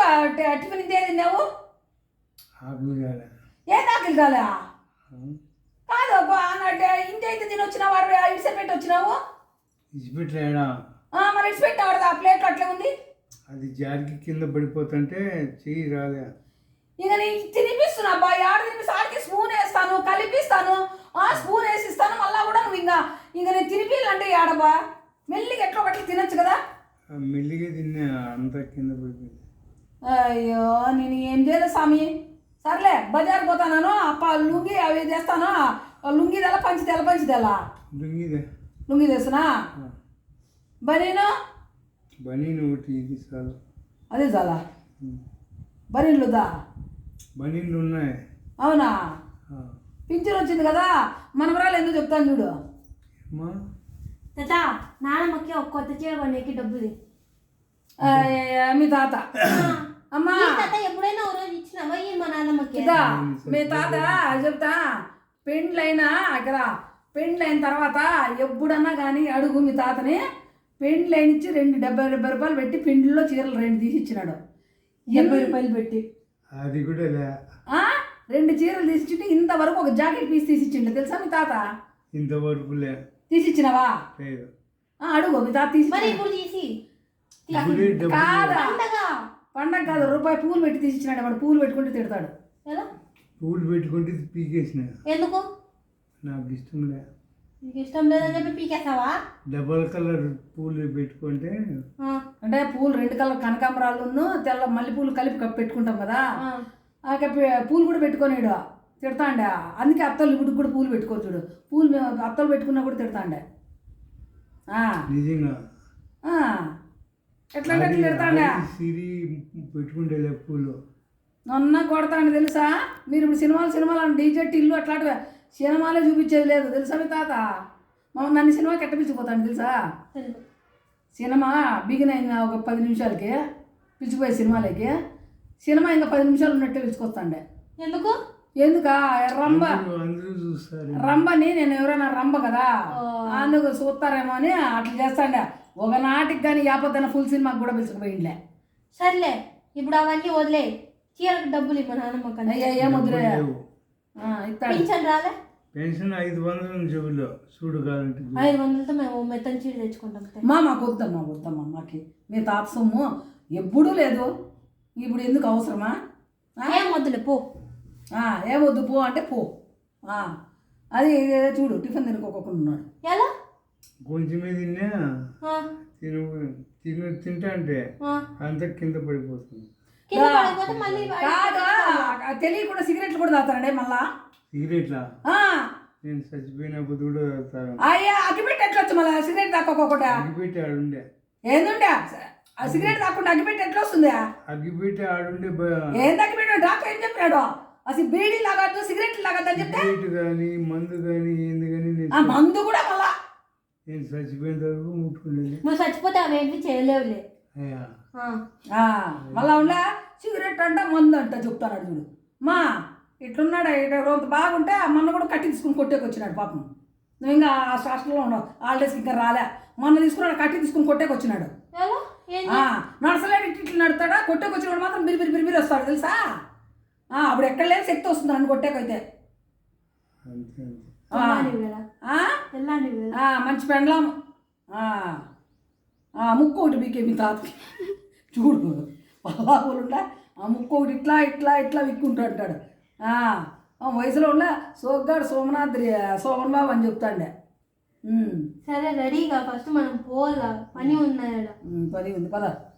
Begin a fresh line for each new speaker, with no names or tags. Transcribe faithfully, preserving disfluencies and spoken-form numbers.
Tiffin ఇంతే తిన్నావు?
ఆకులు కాలే.
ఏ ఆకలి కాలే? కాదు అబ్బా ఇంటి అయితే తినొచ్చినా వాడు ఇడిసి పెట్టి వచ్చినావు.
ఇచ్చిపెట్టలేడా?
మరి ఇడిసి పెట్టాడు ఆ ప్లేట్ అట్లే ఉంది.
అది జారికి కింద పడిపోతుంటే చెయ్యి రాలే.
ఇక నేను తినిపిస్తున్నా అబ్బా, ఆడ తినిపిస్తా, ఆడికి స్పూన్ వేస్తాను, కలిపిస్తాను, ఆ స్పూన్ వేసి ఇస్తాను, మళ్ళా కూడా నువ్వు ఇంకా ఇంకా నేను తినిపిల్లంటే ఆడబ్బా మెల్లిగా ఎట్లా ఒకటి తినొచ్చు కదా.
మెల్లిగా తిన్నా అంతా కింద పడిపోయింది.
అయ్యో నేను ఏం చేయలేదు స్వామి. సర్లే బజార్ పోతాను, అప్ప లుంగి అవి తెస్తాను. లుంగి తెల్ల పంచి తెల్ల పంచి తెల్ల
లుంగిదే
లుంగి తెస్తున్నా. బనీను
బనీను ఒకటి ఇది చాలు.
అదే చాలా బనీన్లు దా
బనీన్లు ఉన్నాయి.
అవునా? పింఛన్ వచ్చింది కదా మనవరాలు ఎందుకు చెప్తాను చూడు.
తాత నాన్నమ్మకి ఒక కొత్త చీర కొనేకి డబ్బులు
మీ తాత. అమ్మా
తాత ఎప్పుడైనా ఒక రోజు ఇచ్చినావా మా నాన్నమ్మకి?
మీ తాత చెప్తా, పెండ్లైనా అక్కడ పెండ్లైన తర్వాత ఎప్పుడన్నా కానీ అడుగు మీ తాతని. పెండ్లైనిచ్చి రెండు డెబ్బై డెబ్బై రూపాయలు పెట్టి పిండిలో చీరలు రెండు తీసి ఇచ్చినాడు. డెబ్బై రూపాయలు పెట్టి
అది కూడా
రెండు చీరలు తీసిచ్చింటే ఇంతవరకు ఒక జాకెట్ పీస్ తీసిచ్చిండు తెలుసా మీ తాత?
ఇంతవరకు
తీసిచ్చినావా? అడుగు మీ తాత తీసి.
తీసి
కాదా పండగ కాదు, రూపాయి పూలు పెట్టి తీసిచ్చినాడు. వాడు పూలు పెట్టుకుంటే తిడతాడు.
పూలు పెట్టుకుంటే పీకేసిన.
ఎందుకు?
నాకు ఇష్టం లే.
నీకు ఇష్టం లేదని చెప్పి పీకేస్తావా?
డబల్ కలర్ పూలు పెట్టుకుంటే
అంటే పూలు రెండు కలర్ కనకాంబరాలు తెల్ల మల్లె పూలు కలిపి పెట్టుకుంటాం కదా, పూలు కూడా పెట్టుకోలేడు తిడతాండే. అందుకే అత్తలు ఇప్పుడు కూడా పూలు పెట్టుకో చూడు. పూలు అత్తలు పెట్టుకున్నా కూడా తిడతాండే.
నిజంగా
ఎట్లా తిడతాండే.
సిరి పెట్టుకుంటే పూలు
నన్న కొడతాండి తెలుసా. మీరు ఇప్పుడు సినిమాలు సినిమాలు డీజెట్ ఇల్లు అట్లాంటివి సినిమాలే చూపించేది లేదు తెలుసా మీ తాత. మా నన్ను సినిమాకి ఎట్ట పిలిచిపోతాను తెలుసా. సినిమా బిగిన్ అయిన ఒక పది నిమిషాలకి పిలిచిపోయే సినిమాలకి సినిమా ఇంకా పది నిమిషాలు ఉన్నట్టే పిలుచుకొస్తాండే.
ఎందుకు?
ఎందుకా రంబ రంబని నేను ఎవరైనా రంబ కదా అందుకు చూస్తారేమో అని అట్లా చేస్తాండే. ఒక నాటికి కానీ యాపత్తన ఫుల్ సినిమాకి కూడా పిలుచుకుపోయిండే.
సర్లే ఇప్పుడు అవన్నీ వదిలే, చీరకు డబ్బులు ఇవ్వ నాన్నమ్మ.
ఏం వదిలే పెన్షన్
రాలే?
పెన్షన్ ఐదు వందలు చెబులో చూడు కావాలంటే
ఐదు వందలతో మేము మెత్తని చీర తెచ్చుకుంటాం.
మా మాకు వద్దమ్మా వద్దమ్మా మాకి మీ తాత సొమ్ము ఎప్పుడూ లేదు. ఇప్పుడు ఎందుకు అవసరమా?
ఏం వద్దులే పో.
ఏమొద్దు పో అంటే పో. అది చూడు టిఫిన్ తినుకోకుండా ఉన్నాడు.
ఎలా
కొంచెమే తిన్నా తిను తిను తింటా అంటే అంత కింద పడిపోతుంది. తెలియకుండా సిగరెట్లు కూడా తాగుతారండి మళ్ళా. సిగరెట్లా? నేను చచ్చిపోయినప్పుడు కూడా తాగుతాను.
అయ్యా అగ్గిపెట్టి ఎట్లా వచ్చు మళ్ళీ సిగరెట్ తాకోకుండా?
అగ్గిపెట్టి ఆడుండే.
ఏందుండే ఆ సిగరెట్ తాకుండా అగ్గిపెట్టి ఎట్లా వస్తుంది?
అగ్గిపెట్టి ఆడుండే.
ఏంది అగ్గిపెట్టి? డాక్టర్ ఏం చెప్పాడు? అసలు బీడీ లాగద్దు సిగరెట్లు లాగద్దు అని చెప్తే
కానీ మందు కానీ ఏంది కానీ
మందు కూడా మళ్ళా
నేను చచ్చిపోయిన వరకు ముట్టుకునేది.
నువ్వు చచ్చిపోతే అవేంటి చేయలేవులే.
మళ్ళా ఉండే సిగరెట్ అంట మందు అంట చెప్తాడు చూడు. మా ఇట్లున్నాడు ఇట్లా రోజు బాగుంటే మొన్న కూడా కట్టి తీసుకుని కొట్టేకి వచ్చినాడు పాపం. నువ్వు ఇంకా హాస్టల్లో ఉన్నావు హాలిడేస్కి ఇంకా రాలే. మొన్న తీసుకున్నాడు కట్టి తీసుకుని కొట్టేకి వచ్చినాడు. నడసలేడు ఇట్లా ఇట్లా నడుతాడా కొట్టేకి వచ్చినాడు మాత్రం బిరి బిరి బిరి బిరి వస్తాడు తెలుసా. అప్పుడు ఎక్కడ లేని శక్తి వస్తుంది నన్ను కొట్టేకైతే. మంచి పెండ్లాం ముక్కు ఒకటి బీకే మీ తాతకి చూడు పల్లాపులుండా ఆ ముక్కు ఒకటి ఇట్లా ఇట్లా ఇట్లా విక్కుంటూ అంటాడు. వయసులో ఉండ సోగ్గాడు సోమనాథ్ సోమన్ బాబు అని చెప్తాండే.
సరే రెడీగా ఫస్ట్ మనం పోలా పని ఉన్నాయి.
పని ఉంది పద.